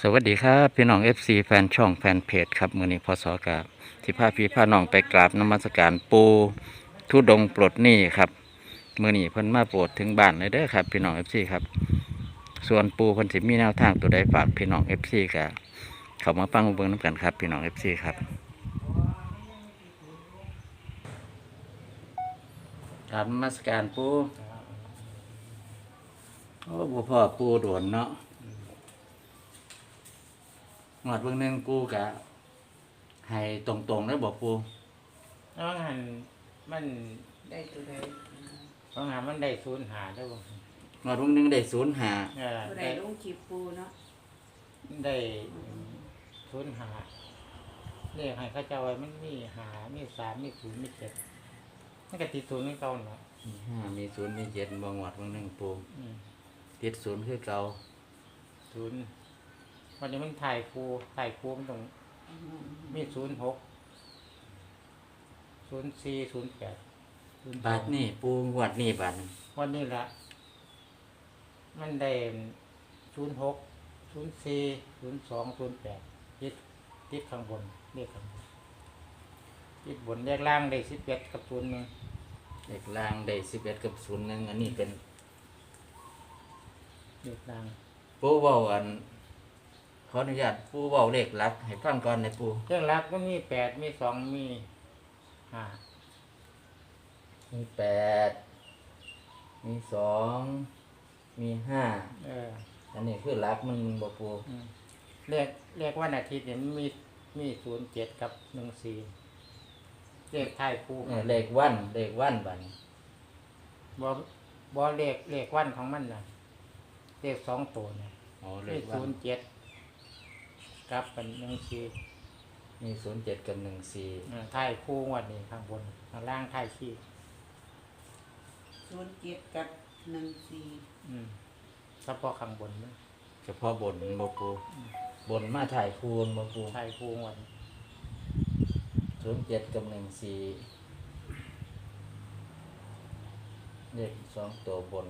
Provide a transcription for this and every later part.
สวัสดีครับพี่น้อง FC แฟนช่องแฟนเพจครับมื้อนี้พศกาที่พาพี่พาน้องไปกราบนมัสการปูทุดงค์ปลดหนี้ครับมื้อนี้เพิ่นมาโปรดถึงบ้านเลยเด้อครับพี่น้อง FC ครับส่วนปูเพิ่นสิมีแนวทางตัวใดฝากพี่น้อง FC ก็เข้ามาฟังเบิ่งนำกันครับพี่น้อง FC ครับกราบนมัสการปูโอ้บ่พ่อปูโดนเนาะงวดเบิ่งหนึงปูกะให้ตรงๆแล้วบอกปูน้องหันมันได้ตัวใดน้องหันมันได้ศูนย์หาได้บ่งวดเบิ่งหนึงได้05 ตัวใดลงคลิปปูเนาะได้ศูนย์หาเรียกให้เข้าเจ้าไว้มันมีหามีสามมีศูนย์มีเจ็ดมันก็ติดศูนย์นี่เก่าเนาะมี5มี0มี7บ่งวดเบิ่งหนึงปูอืมติด0คือเก่าศูนย์วันนี้มันถ่ายครูมันต้องมี06 04 08 บาทนี่ปูงวดนี่บาทนึงวันนี้ละมันได้06 04 02 08ติดข้างบนเลขข้างบนติดบนเลขล่างได้11กับ01 เลขล่างได้11กับ01อันนี้เป็นเลขล่างปูเว้าอันขออนุญาตปูเว้าเลขหลักให้ฟังก่อนนะปูเครื่องรักก็มี8มี2มี5 มี8มี2มี5อันนี้คือหลักมันบ่ปูเลขวันอาทิตย์เนี่ยมันมี07กับ14เลขท้ายคู่เลขวันบาดนี้บ่เลขวันของมันน่ะเลข2ตัวเนี่ยอ๋อเลมีขวัน 07กับเป็น14 มี07กับ14 ท้ายคู่งวดนี้ข้างบนข้างล่างท้ายขี้ 07กับ14 เฉพาะข้างบนนะเฉพาะบนบ่ปูบนมาถ่ายคูณบ่ปูท้ายคู่งวด 07กับ14เลข2ตัวบน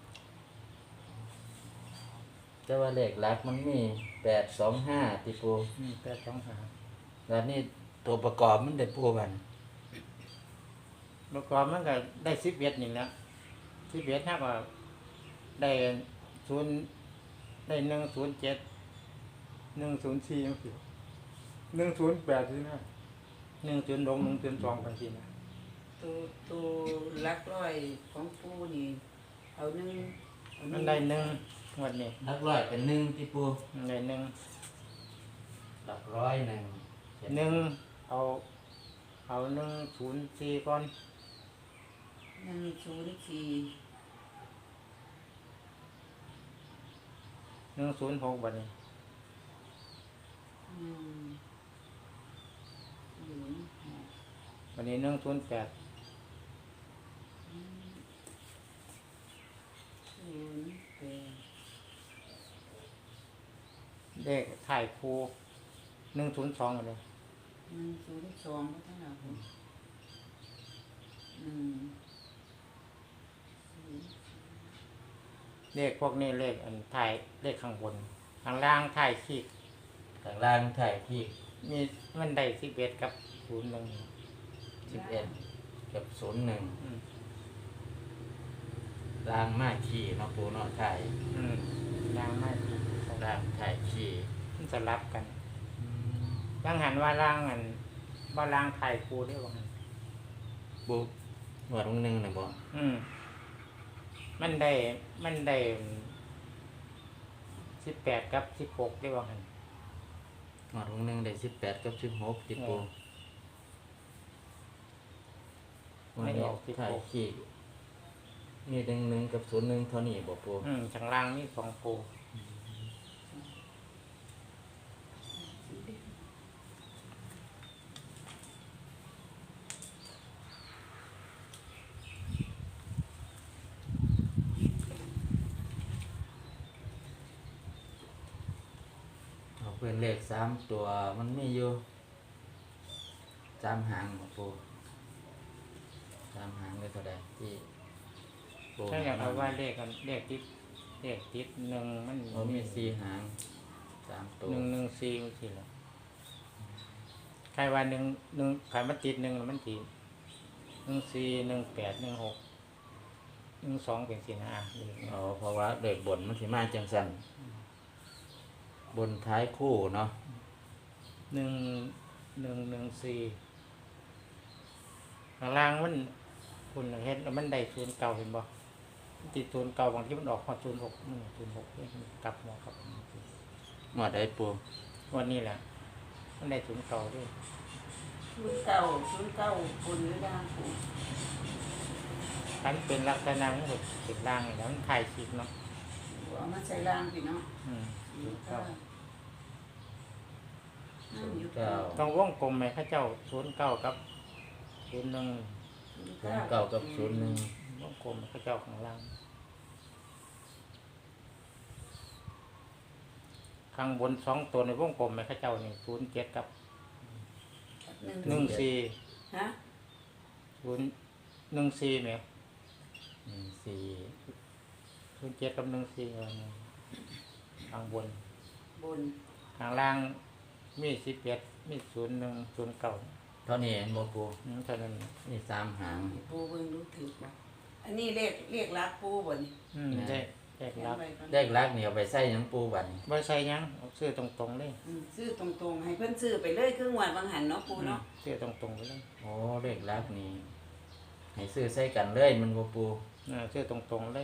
แต่ว่าเลขหลักมันมี825ติปู 825 แล้วนี่ตัวประกอบมันได้ปูบันเมื่อก่อนมันก็ได้11นี่แหละ11ถ้าก็ได้0ได้107 104จังซี่108สินะ102 102จังซี่นะตัวหลักร้อยของปูนี่เอาหนึ่งมันได้1งวดนี้หลักร้อยเป็น1ติปูมันได้1 หลักร้อย1 เอา104ก่อน 104 106บัดนี้ 106 บัดนี้108 เลขถ่ายครู102เลย 102ก็เท่าไหร่ผมเลขพวกนี้เลขอันถ่ายเลขข้างบนข้างล่างถ่ายขีดข้างล่างถ่ายที่มีมันได้11กับ01 11กับ01ล่างมาขี้เนาะปูเนาะถ่ายล่างไม่ขีดล่างถ่ายขี้มันจะรับกันยังหันว่าล่างอันว่าล่างถ่ายครูได้บ่หันปูหนวดนึงน่ะบ่มันได้18กับ16ได้บ่หันหนวดนึงได้18กับ16ติปูไม่ออกถ่ายขี้มี1กับ01เท่านี้บ่ปูข้างล่างนี่2ปูเอาเป็นเลข3ตัวมันมีอยู่3หางบ่ปู3หางเลยเท่าใดที่ปูถ้าอยากเอาว่าเลขกันเลขติด1มันมี4หาง3 ตัว 114มันสิล่ะใครว่า1ใครมันติด1มันติด14 18 16 12เป็นสินะเลขอ๋อเพราะว่าเลขบนมันสิมาจังซั่นบนท้ายคู่เนาะ 1114ข้างล่างมันคุณเห็นแล้วมันได้09เห็นบ่มันติด09บางทีมันออกฮอด06 06เลขมันกลับหัวกลับงวดใดปูวันนี้แหละมันได้09ด้วย 09คนหรือล่างปูคันเป็นลักษณะมันก็เป็นล่างนี่แหล้วมันถ่ายคลิปเนาะเอามาใส่ล่างพี่เนาะ 09 อยู่เก้าต้องวงกลมไหมข้าเจ้า09กับ01 เก้ากับ01 วงกลมข้าเจ้าข้างล่างข้างบน2ตัวในวงกลมไหมข้าเจ้านี่07กับ14 ฮะ 14แหม 14 07กับ14ข้างบนบนข้างล่างมี11มี01 09 เท่านี้เห็นบ่ปูเท่านั้นนี่3หางปูเบิ่งรู้ถือบ่อันนี้เรียกรักปูบ่นี่ได้แยกรับเลขลักนี่เอาไปใส่หยังปูบัดนี้บ่ใส่หยังเอาซื้อตรงๆเลยซื้อตรงๆให้เพิ่นซื้อไปเลยครึ่งวันบางหันเนาะปูเนาะซื้อตรงๆไปเลยโอ้เลขลักนี่ให้ซื้อใส่กันเลยมันบ่ปูซื้อตรงๆเลย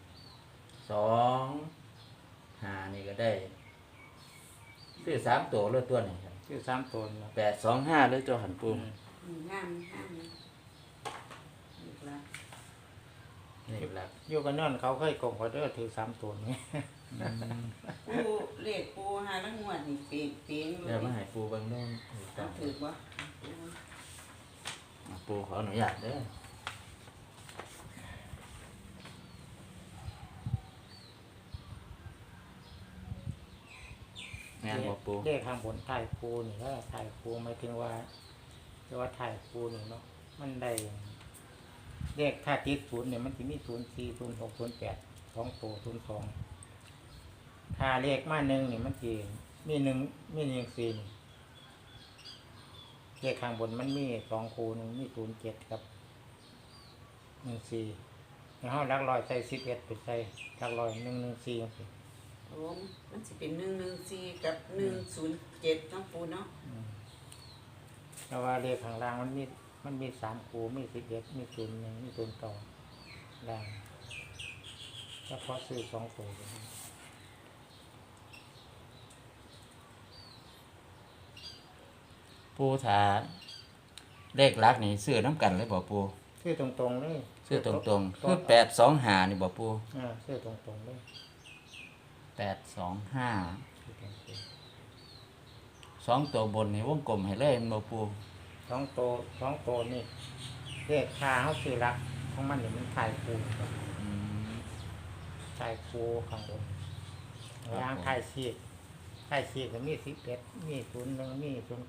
2 5นี่ก็ได้ซื้อ3ตัวเลยตัวนี้ครับซื้อ3ตัวนะ 8 2 5เลยตัวหันปูงามนะเรียกรักเลขลักอยู่กันนั่นเขาเคยโกงเขาเด้อถือ3ตัวนี้ปูเลขปูหาลังงวดนี่เปียงอยู่เดี๋ยวมาให้ปูเบิ่งโน่นต้องถือบ่ปูขออนุญาตเด้อแม่นบ่ปูเลขข้างบนถ่ายปูนี่แล้วถ่ายปูหมายถึงว่าเรียกว่าถ่ายปูนี่เนาะมันได้เลขถ้าติด0เนี่ยมันสิมี04 06 08 2ตัว02ถ้าเลขมา1นี่มันสิมี1มี14นี่เลขข้างบนมันมี2คู่หนึงมี07กับ14แล้วเฮาหลักร้อยใส่11ไปใส่หลักร้อย114จังซี่โอ้มันสิเป็น114กับ107เนาะปูเนาะแต่ว่าเลขข้างล่างมันมี3คู่มี11มี01มี09ล่างเฉพาะซื้อ2ตัวปูถ้าเลขลักนี่ซื้อน้ำกันเลยบ่ปูซื้อตรงๆเลยซื้อตรงๆคือ8 2 5นี่บ่ปูซื้อตรงๆเลย 8 2 5 ซื้อตรง 2ตัวบนนี่วงกลมให้เลยแม่นบ่ปูๆ2ตัวนี่เลขค่าเฮาซื้อหลักของมันนี่มันถ่ายคู่อืมถ่ายคู่ข้างบนครับล่างถ่ายชีกก็มี11มี01มี09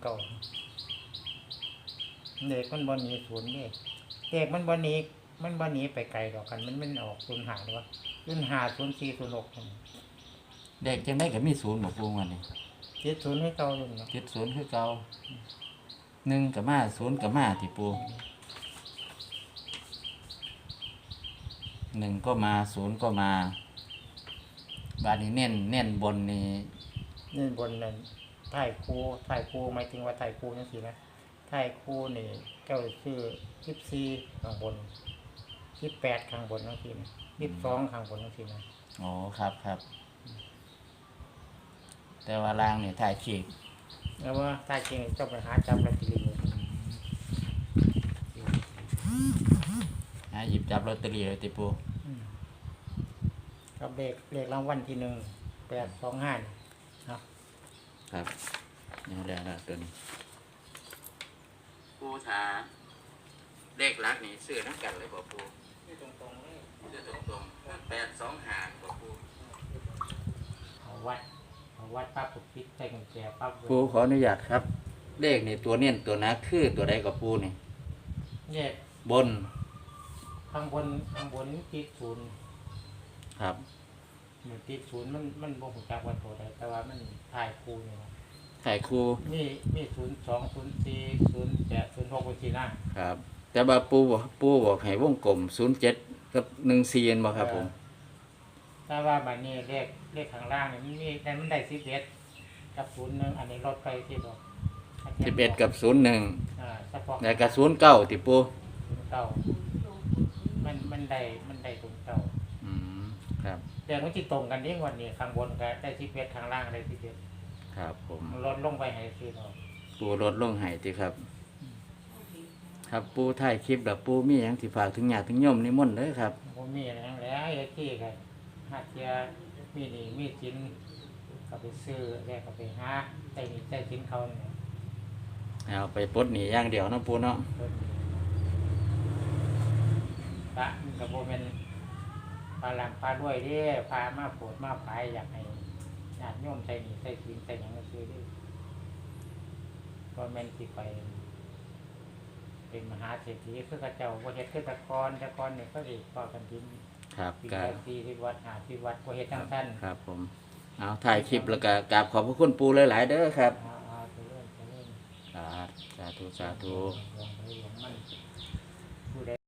เลขมันบ่หนี0นี่เลขมันบ่หนีไปไกลดอกกันมันออก05หรือว่า05 04 06 เด็กจังได๋ก็มี0บ่ปูวันนี้คิด0ให้เก่าอยู่เนาะ 70คือเก่า1ก็มา0ก็มาที่ปู1ก็มา0ก็มาบาดนี้เน้นบนนี่นี่บนนั้นถ่ายคู่หมายถึงว่าถ่ายคู่จังซี่นะถ่ายคู่นี่เจ้าชื่อ14ข้างบน18ข้างบนจังซี่นะ22ข้างบนจังซี่นะอ๋อครับครับ แต่ว่าล่างนี่ถ่ายขีดแล้วว่าถ่ายจริงเจ้าไปหาจับลอตเตอรี่หยิบจับลอตเตอรี่เลยติปูกับเลขรางวัลที่1 825นี่เนาะครับนี่แล้วตัวนี้ปูถาเลขลักนี่ซื้อน้ำกันเลยบ่ปูนี่ตรงๆเลยซื้อตรงๆ825บ่ปูเอาวัดปั๊บปุ๊บปิดใส่กุญแจปั๊บปูขออนุญาตครับ เลขนี่ตัวเน้นตัวนักคือตัวใดกับปูนี่เนี่ยบนข้างบนติด0 ครับหนึ่งติดศูนย์มันบ่ฮู้จักว่าตัวใดแต่ว่ามันถ่ายคู่นี่นะถ่ายครูมี02 04 08 06เป็นสี่หน้าครับ แต่ว่าปูบอกให้วงกลม07กับ14เห็นบ่ครับผมถ้าว่าบัดนี้เลขข้างล่างนี่มันมีแต่มันได้11กับ01อันนี้ลดไปที่ดอก 11กับ01 เฉพาะแล้วก็09ติปูเก่ามันได้ตรงเก่าอืมครับแต่มันสิตรงกันนี่งวันนี้ข้างบนก็ได้11ข้างล่างได้11 ครับผมมันลดลงไปให้สิดอกปูลดลงให้ติครับ ครับปูถ่ายคลิปแล้วปูมีหยังสิฝากถึงญาติถึงโยมนิมนต์เด้อครับบ่มีอะไรทั้งแล้วไอ้ที่ก็หาเทียมีหนี้มีสินก็ไปซื้อแล้วก็ไปหาใช้หนี้ใช้สินเขาเนี่ยเอาไปปลดหนี้อย่างเดียวเนาะปูเนาะพระมันก็บ่แม่นปลาหลังปลาด้วยเด้พามาโปรดมาภายอยากให้ญาติโยมใช้หนี้ใช้สินใช้หยังก็ซื้อเด้บ่แม่นสิไปเป็นมหาเศรษฐีคือเขาเจ้าบ่เฮ็ดคือแต่ก่อนนี่เขาสิพอกันกินครับปีก็ละ40วัด50วัดบ่เฮ็ดจังซั่นครับผม เอาถ่ายคลิปแล้วก็กราบขอบพระคุณปูหลายๆเด้อครับเอาไปเรื่อยครับสาธุสาธุหลวงไปหลวงมันผู้ใด